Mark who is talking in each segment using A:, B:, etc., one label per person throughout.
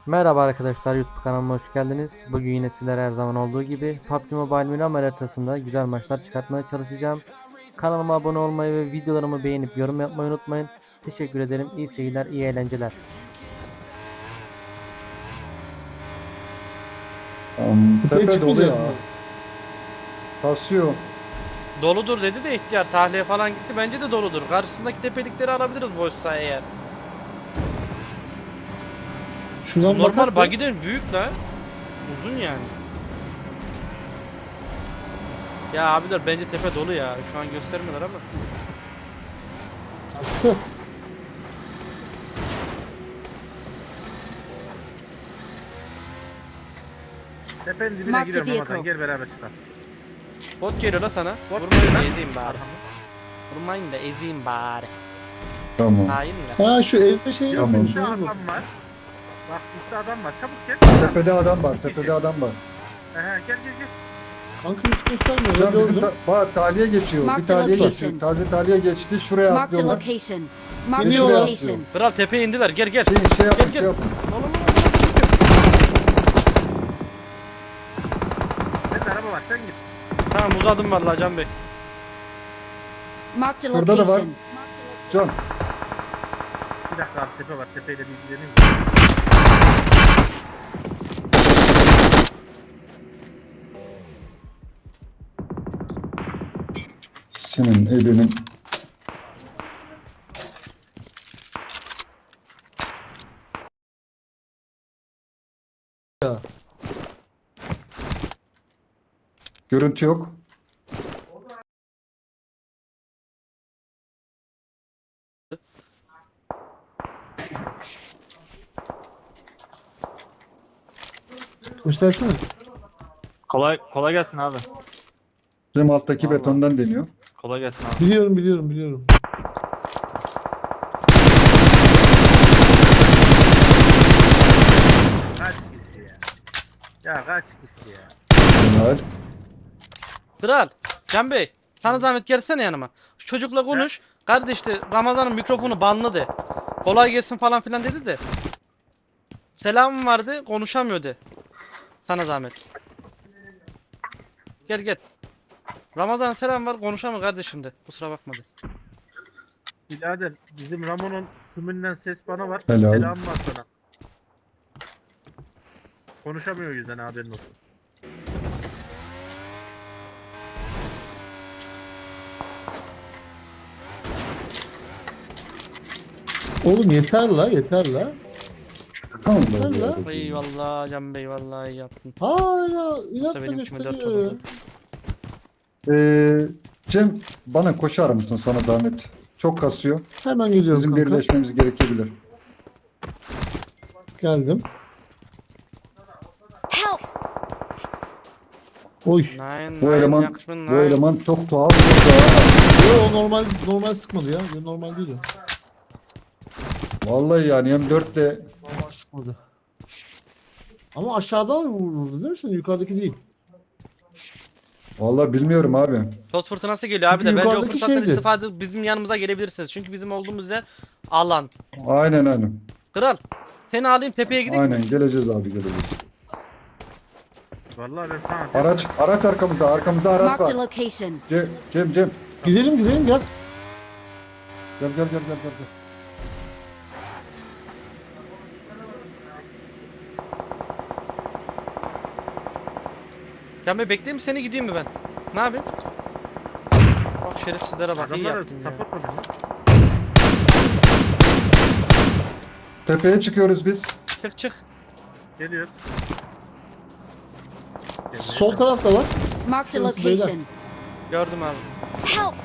A: Merhaba arkadaşlar, YouTube kanalıma hoş geldiniz. Bugün yine sizlere her zaman olduğu gibi PUBG Mobile Miramar haritasında güzel maçlar çıkartmaya çalışacağım. Kanalıma abone olmayı ve videolarımı beğenip yorum yapmayı unutmayın. Teşekkür ederim. İyi seyirler, iyi eğlenceler.
B: Tepeye
C: Tepe dolu ya.
B: çıkmayacağız mı?
C: Kasıyor.
D: Doludur dedi de ihtiyar tahliye falan gitti. Bence de doludur. Karşısındaki tepelikleri alabiliriz boşsa eğer.
B: Şuradan
D: Normal
B: bakar mı?
D: bagiden büyük la. Uzun yani. Ya abiler bence tepe dolu ya. Şu an göstermiyorlar ama.
B: Attı.
E: Tepenin dibine
F: Mark the
E: giriyorum
F: vehicle.
E: Ramazan, gel beraber çıkalım.
D: Bot geliyor la sana.
E: Bot
D: Vurmayın
E: geliyor
D: da
E: lan.
D: ezeyim bari. Vurmayın da ezeyim bari.
C: Tamam.
D: Hain la.
B: Ha şu ezme şeyi
C: Tamam.
B: nasılmış
E: Üstte
B: oğlum?
E: adam var. Bak üstte adam var, çabuk gel.
C: Tepede adam var. Tepede adam var.
E: Gel gel gel.
B: Kanka hiç göstermiyor.
C: Can
B: Ben
C: bizim
B: gördüm.
C: bak tahliye geçiyor.
F: Mark
C: Bir
F: the
C: tahliye
F: location.
C: geçti. Taze tahliye geçti. Şuraya
F: Marked a
C: atlıyorlar.
F: location. Marked a
C: Geliyorlar.
F: location.
D: Kral tepeye indiler. Gel gel.
C: Şey yapın,
D: Gel,
C: şey
D: gel.
C: yapın.
E: Senin araba var, sen git.
D: Tamam uzadım vallahi Can Bey.
F: Marked a
C: Burada da var.
F: location.
C: Can.
E: Bir dakika abi, tepe var, tepeyle bir ilgileneyim.
C: Senin elinin. Görüntü yok.
B: Göstersene.
G: Kolay gelsin abi.
C: Bizim alttaki
G: Vallahi.
C: betondan deniyor.
G: Kolay gelsin abi.
B: Biliyorum.
E: Kaç kişi ya? Ya kaç kişi ya?
C: Bunlar.
D: Kral. Can Bey. Sana zahmet gelsene yanıma. Şu çocukla konuş. Kardeş de Ramazan'ın mikrofonu banlı de. Kolay gelsin falan filan dedi de. Selamım vardı. Konuşamıyor de. Sana zahmet. Gel gel. Ramazan selam var. Konuşamıyor kardeşim de. Kusura bakma de.
E: Birader, bizim Ramon'un tümünden ses bana var.
C: Helal.
E: Selam var sana. Konuşamıyor o yüzden, haberin olsun.
B: Oğlum yeter la.
C: Tamam.
B: Lan.
D: Eyvallah Can Bey vallahi iyi yaptın.
B: Hala
D: Yoksa
B: inatla
D: benim içime dert
B: gösteriyor ya.
D: olurdu.
C: Cem bana koşar mısın sana zahmet? Çok kasıyor.
B: Hemen geliyorum
C: Bizim
B: kanka.
C: birleşmemiz gerekebilir.
B: Geldim.
F: Help!
B: Oy.
D: Nine,
C: Bu
D: nine,
C: eleman
D: yakışmış,
C: bu
D: nine.
C: eleman çok tuhaf. Çok
B: Yo normal sıkmadı ya. Yo, normal değil o.
C: Vallahi yani M4 de
B: Normal sıkmadı. Ama aşağıdan vurdu değil mi sen? Yukarıdaki değil.
C: vallahi bilmiyorum abi.
D: Tot fırtınası geliyor abi de.
B: Çünkü
D: Bence o
B: yukarıdaki
D: fırsattan
B: şeydi.
D: istifade bizim yanımıza gelebilirsiniz. Çünkü bizim olduğumuz yer alan.
C: Aynen.
D: Kral. Seni alayım tepeye gideyim.
C: Aynen geleceğiz abi geleceğiz.
E: Vallahi ben sana
C: Araç arkamızda araç
F: Marked a
C: var.
F: location.
C: Cem.
B: Gidelim gel.
C: Gel.
D: Can Bey bekleyeyim mi seni gideyim mi ben? Ne yapayım? Bak şerefsizlere bak iyi
E: adamlara
D: yaptın ya.
E: support mı dedin?
C: Tepeye çıkıyoruz biz.
D: Çık.
E: Geliyor.
B: Sol tarafta var.
F: Marked a
B: Şurası beyler.
F: location.
D: Gördüm abi.
F: Help!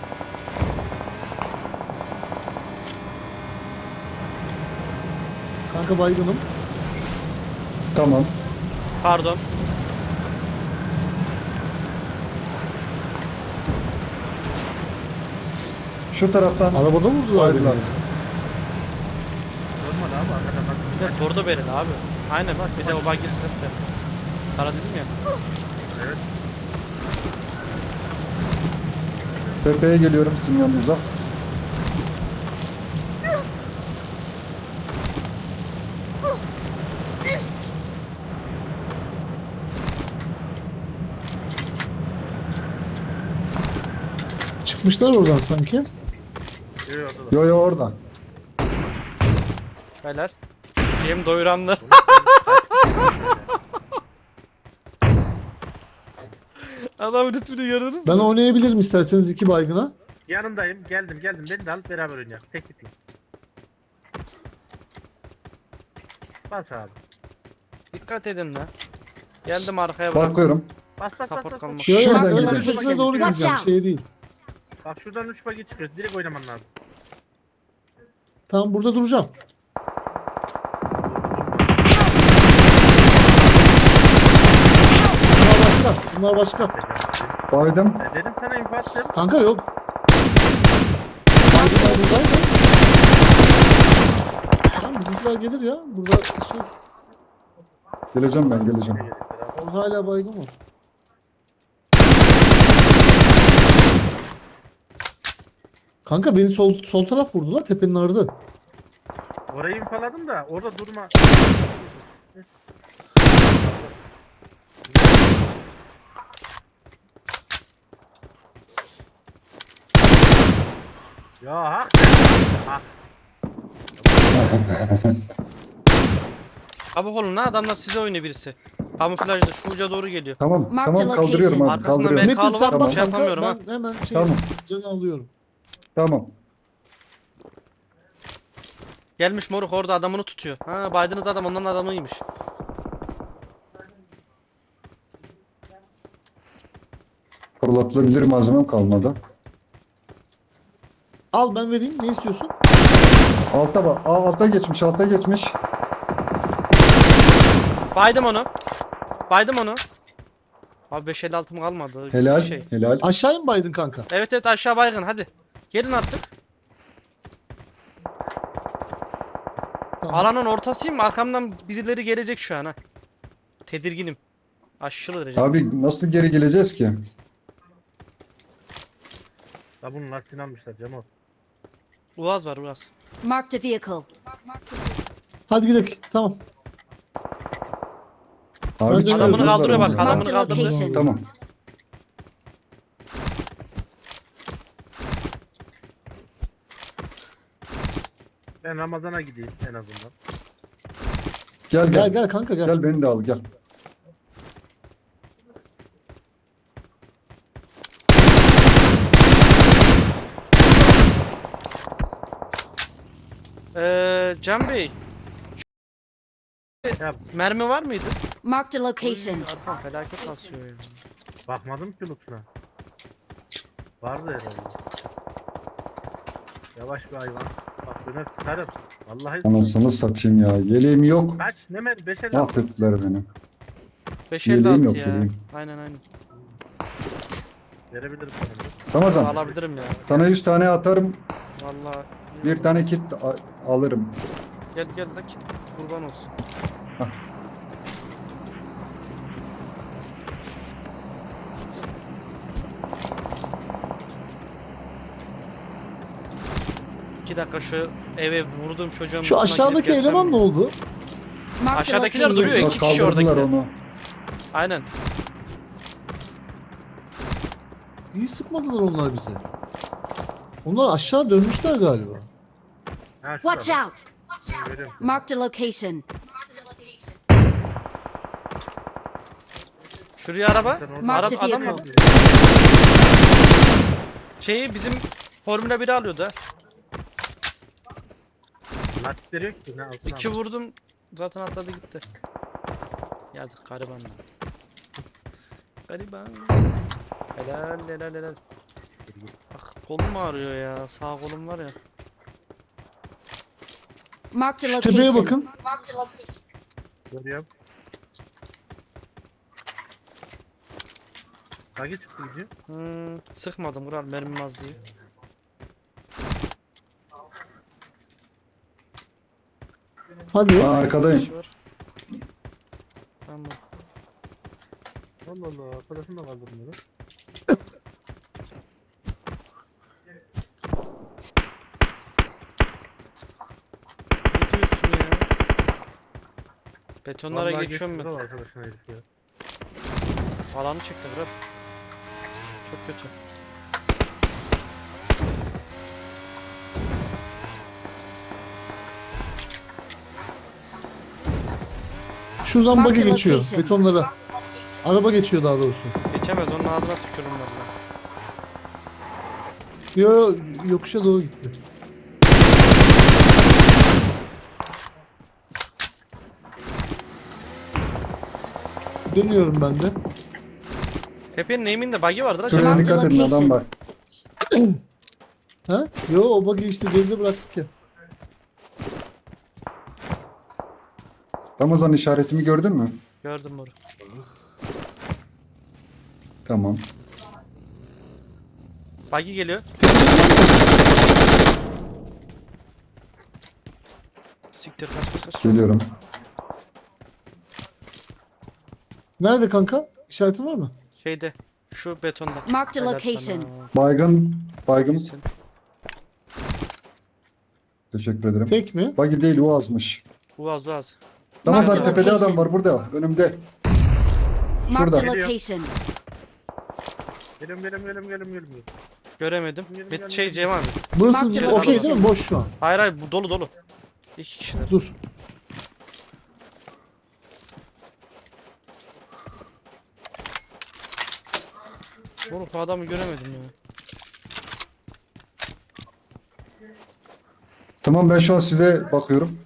B: Kanka baygınım.
C: Tamam.
D: Pardon.
C: Şu taraftan
B: Arabada vurdular
C: Hayırlar.
B: beni.
E: Olmadı abi, arkadan bak.
D: Bir de durdu beni abi. Aynen bak bir de o buggy sıkıntı. Sana dedim ya.
E: Evet.
C: tepeye geliyorum sizin yanınıza.
B: Çıkmışlar oradan sanki.
E: Yok orada da.
C: Yo yo orada.
D: Beyler. Cem doyuranlı. Adamın ismini gördünüz mü?
B: Ben oynayabilirim isterseniz 2 baygına.
E: Yanındayım. Geldim. Beni de alıp beraber oynayalım. Tek gitme. Bas abi.
D: Dikkat edin lan. Geldim arkaya bırak.
C: Bakıyorum.
E: Bas.
D: Support kalmak.
B: Yo yo
C: Şuradan
B: ben
C: gidelim.
B: tepesine doğru
F: Watch
B: gideceğim.
F: out.
B: Şey değil.
E: Bak şuradan 3 bagi çıkıyoruz. Direkt oynaman lazım.
B: Tamam burada duracağım. Bunlar başka.
C: Baydım.
E: Dedim sana info attım.
B: Kanka yok. Baygınlar buradaydı. Tamam bizimkiler gelir ya. Burada şey,
C: Geleceğim ben geleceğim.
B: o hala baygın mı? Kanka beni sol taraf vurdu la tepenin ardı.
E: Orayı infoladım da orada durma. Ya hak. Hak.
D: Çabuk olun lan, adamlar size oynuyor birisi. Kamuflajda şu uca doğru geliyor.
C: Tamam
F: Mark
C: tamam
F: the
C: kaldırıyorum
F: location.
C: abi
D: Arkasında
C: kaldırıyorum.
D: Metin
B: Metin sen
D: var,
B: bak
D: şey
B: kanka
D: yapamıyorum ha.
B: ben hemen şey
C: Tamam.
B: canı alıyorum.
C: Tamam.
D: Gelmiş moruk, orada adamını tutuyor. Ha, Biden'ız adam onların adamıymış.
C: Fırlatılabilir malzemem kalmadı.
B: Al ben vereyim ne istiyorsun?
C: Alta bak. Alta geçmiş alta geçmiş.
D: Baydım onu. Baydım onu. Abi 556'm kalmadı.
C: Helal
D: Şey.
C: helal.
B: Aşağıya mı baydın kanka?
D: Evet aşağı baygın, hadi. Gelin artık.
B: Tamam.
D: Alanın ortasıyım, arkamdan birileri gelecek şu an ha. Tedirginim. Aşırı derece.
C: Abi nasıl geri geleceğiz ki?
E: La bunun lastiğini almışlar Cemo.
D: Uaz var Uaz.
F: Marked a vehicle.
B: Hadi gidelim. Tamam.
C: Abi
B: Adamını
C: çıkardılar
D: kaldırıyor bak,
C: onu.
D: adamını
F: Marked a
D: kaldırdı.
F: location.
C: Tamam.
E: Ben Ramazan'a gideyim en azından.
C: Gel
B: Gel
C: gel.
B: gel kanka gel.
C: Gel beni de al gel.
D: Can Bey.
E: Ya
D: Mermi var mıydı?
F: Marked a location.
D: Arkam felaket basıyor ya.
E: bakmadım ki lootuna. Vardı herhalde. Yavaş bir hayvan. Bak döner sıkarım. Vallahi
C: Anasını satayım ya. Yeleğim yok.
E: kaç ne mer 5'e
C: Mahvettiler beni.
D: 556
C: Yeleğim yok,
D: ya.
C: yeleğim.
D: Aynen.
E: verebilirim sana.
C: Ramazan
D: Alabilirim ya.
C: sana 100 tane atarım.
D: Vallahi.
C: Bir tane kit alırım.
D: Gel la git. Kurban olsun.
C: Hah.
D: İki dakika şu eve vurduğum çocuğun
B: Şu
D: üstüne
B: aşağıdaki
D: gidip gelsem
B: eleman
D: mi?
B: ne oldu?
F: Marked a
D: Aşağıdakiler
F: location.
D: duruyor, iki kişi
C: Kaldırdılar
D: oradakiler.
C: onu.
D: Aynen.
B: İyi sıkmadılar onlar bize. Onlar aşağı dönmüşler galiba.
E: Ha,
F: Watch
E: şurada.
F: out.
E: Ben görüyorum.
F: Marked a location.
D: Şuraya araba.
E: Sen orada-
F: Marked a
D: Adam
F: vehicle.
D: şeyi bizim Formula 1'i alıyordu ha.
E: Lastikleri yok ki ne alsın
D: İki
E: abi.
D: vurdum zaten atladı gitti. Yazık gariban lan. Gariban. Helal. Bak kolum ağrıyor ya. Sağ kolum var ya.
F: Marked a
B: Şu tepeye
F: location.
B: bakın.
E: Görüyorum. Bagi çıktı gidiyor.
D: Sıkmadım kral, mermim az diye.
B: Hadi.
C: Aa, arkadayım.
D: Şu var. Tamam.
E: Allah Allah. Arkadaşım da kaldırmıyor.
D: Ne diyorsun ya? Betonlara
E: Vallahi
D: geçiyorum
E: geçti
D: ben.
E: bravo arkadaşına herif ya.
D: Alanı çekti bırak. Çok kötü.
B: Şuradan
F: Mark
B: buggy
F: the
B: geçiyor.
F: location.
B: Betonlara. Araba geçiyor daha doğrusu.
D: Geçemez, onun ağzına tükürürüm valla.
B: Yo, yokuşa doğru gitti. Dönüyorum ben de.
D: Tepenin eğiminde bug'i vardır ha.
C: Şuraya
F: Marked
C: dikkat edin,
F: location.
C: adam var.
B: Ha? Yo, o buggy işte geride bıraktık ya.
C: Ramazan işaretimi gördün mü?
D: Gördüm bunu.
C: Tamam.
D: Bug'i geliyor. Siktir, kaç.
C: Geliyorum.
B: Nerede kanka? İşaretin var mı?
D: Şeyde. Şu betonda.
F: Marked a
D: Helal
F: location.
D: sana.
C: Baygın.
D: İyisin.
C: Teşekkür ederim.
B: Tek mi?
C: Buggy değil, Uaz'mış.
D: Uaz.
C: Ramazan
F: Marked
C: tepede
F: location.
C: adam var burada. Önümde.
F: Marked a
C: Şurada.
F: location.
E: Geliyorum.
D: Göremedim.
E: Gel.
D: Şey Cem abi.
B: Burası
F: Marked
B: okey değil mi? Boş şu an.
D: Hayır bu dolu. İki kişiler.
B: Dur.
D: Oğlum bu adamı göremedim ya.
C: Tamam, ben şu an size bakıyorum.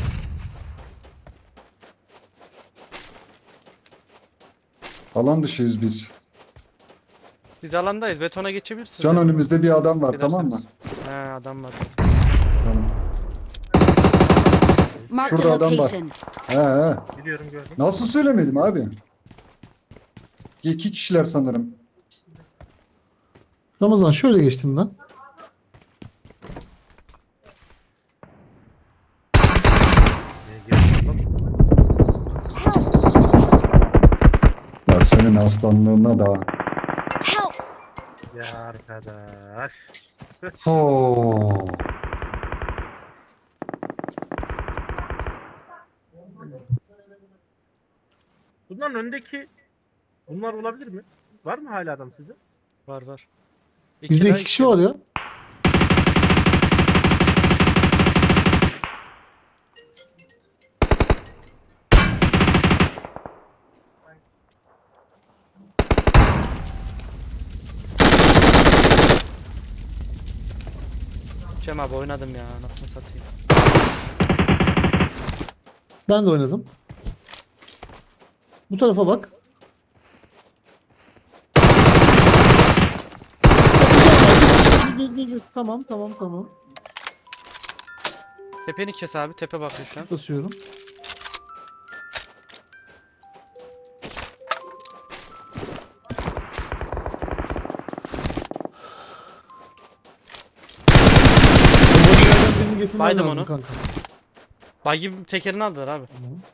C: Alan dışıyız biz.
D: Biz alandayız. Betona geçebilirsiniz.
C: Can
D: ya.
C: önümüzde bir adam var, tamam mı?
D: Giderseniz. He adam var.
C: Tamam.
F: Marked a
C: Şurada adam var.
F: location.
C: He.
E: Gidiyorum gördüm.
C: Nasıl söylemedim abi? 2 kişiler sanırım.
B: Ramazan şöyle geçtim ben.
C: Ya senin aslanlığına da.
F: Help!
E: Ya arkadaş.
C: Ho.
E: Bunların öndeki bunlar olabilir mi? Var mı hala adam sizde?
D: Var.
B: Bizde
D: daha
B: 2 kişi var ya.
D: Cem abi oynadım ya. Nasıl satayım.
B: Ben de oynadım. Bu tarafa bak. Bir. Tamam.
D: Tepeni kes abi. Tepe bakıyor şu an.
B: Basıyorum. Bu birini getirmen
D: Baydım
B: lazım
D: onu.
B: kanka.
D: Buggy tekerini aldılar abi.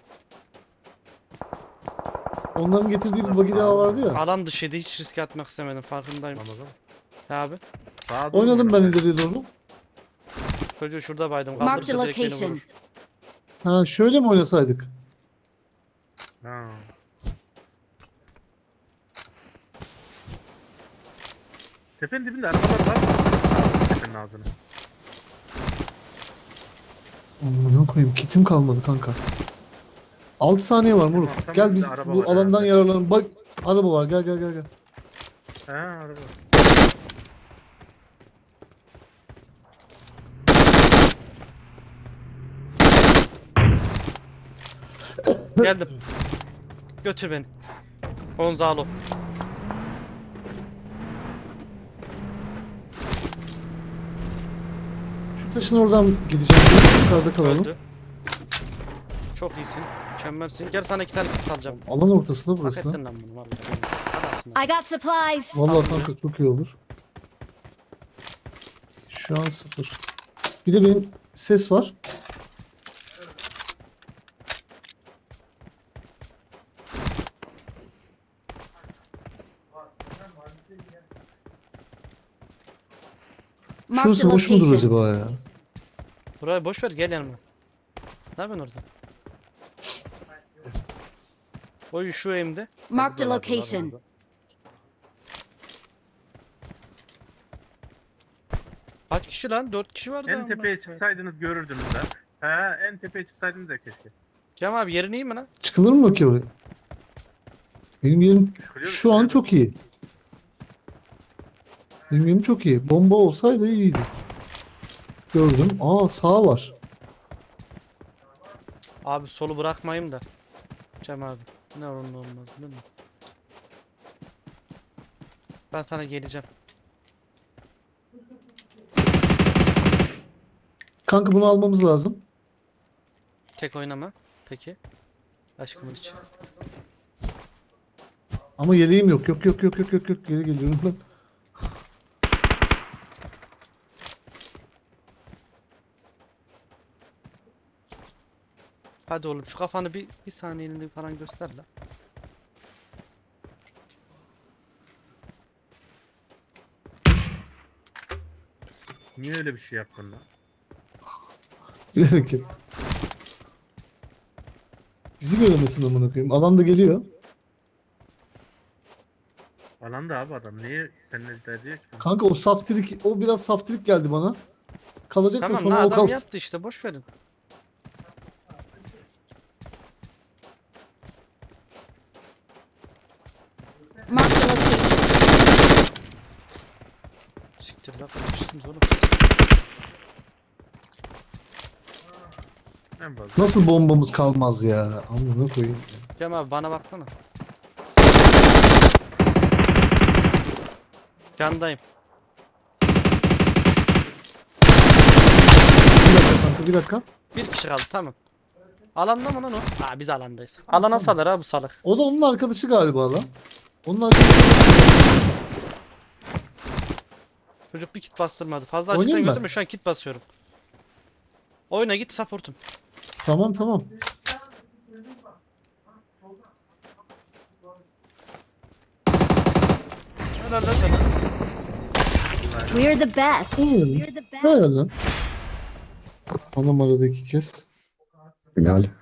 B: Onların getirdiği bir buggy daha vardı ya.
D: Alan dışıydı. Hiç riske atmak istemedim. Farkındayım.
E: Ramazan.
D: He abi.
E: Sağa doğru
B: Oynadım ben
E: oynadım.
B: ileriye doğru.
D: Çocuğu şurada baydım.
F: Marked
D: Kaldırırsa
F: a
D: direkt beni
F: location.
D: vurur.
B: Ha şöyle mi oynasaydık?
E: Ha. Tepenin dibinde arabalar var mı? Tepenin ağzına.
B: Amına koyayım, kitim kalmadı kanka. 6 saniye var moruk.
E: Tamam,
B: Gel biz
E: araba
B: bu
E: var
B: alandan
E: herhalde.
B: yararlanalım. Bak araba var, gel.
E: Ha araba.
D: Geldim. Götür beni. Gonzalo.
B: Şu taşın oradan gideceğim. Yukarıda kalalım.
D: Öldü. Çok iyisin. Mükemmelsin. Gel sana 2 tane kit alacağım.
B: Alan ortası da
D: Hak
B: burası.
D: ettin lan bunu vallahi. Adamsın lan.
F: I got supplies.
B: Vallahi kanka çok iyi olur. Şu an 0. Bir de benim ses var.
F: Marked a
B: Şurası boş mudur
F: location.
B: acaba ya?
D: Burayı boş ver gel yanıma. Ne yapıyorsun orada? Oy şu eğimde.
F: Marked a location.
D: Kaç kişi lan? 4 kişi vardı
E: En
D: ama.
E: tepeye çıksaydınız görürdünüz ha. He en tepeye çıksaydınız da keşke.
D: Cem abi yerin iyi mi lan?
B: Çıkılır mı ki oraya? Benim yerim
E: Çıkılıyor mu?
B: şu an çok iyi. Benim yerim çok iyi. Bomba olsaydı iyiydi. Gördüm. Aa sağ var.
D: Abi solu bırakmayayım da. Cem abi. Ne olur ne olmaz değil mi? Ben sana geleceğim.
B: Kanka bunu almamız lazım.
D: Tek oynama. Peki. Aşkımın için.
B: Ama yeleğim yok. Yok yok yok yok yok yok. Geri geliyorum ben.
D: Hadi oğlum şu kafanı bir saniyeliğine falan göster la.
E: Niye öyle bir şey yaptın lan?
B: Bilerek yaptım. Bizi göremesin amına koyayım. Alan da geliyor.
E: Alanda abi adam. Niye seninle derdi ki?
B: Kanka o saftirik, o biraz saftirik geldi bana. Kalacaksa
D: Tamam
B: sonra
D: la
B: o
D: adam
B: kalsın.
D: yaptı işte boş verin.
F: Marked a location.
D: Siktir la kaçtınız oğlum.
E: En fazla.
B: Nasıl bombamız kalmaz ya? Amına koyayım.
D: Cem abi bana baksana. Candayım.
B: Bir dakika kanka bir dakika.
D: Bir kişi kaldı tamam. Alanda mı lan o? Aa biz alandayız. Alana salır ha bu salak.
B: O da onun arkadaşı galiba lan. Onun arkadaşı.
D: Çocuk bir kit bastırmadı. Fazla
B: Oynayayım
D: açıktan
B: mı?
D: gözüme şu an kit basıyorum. Oyna git supportum.
B: Tamam tamam.
D: Helal lan sana.
F: We're the best.
B: Helal lan. Anam aradı 2 kez.
C: Helal.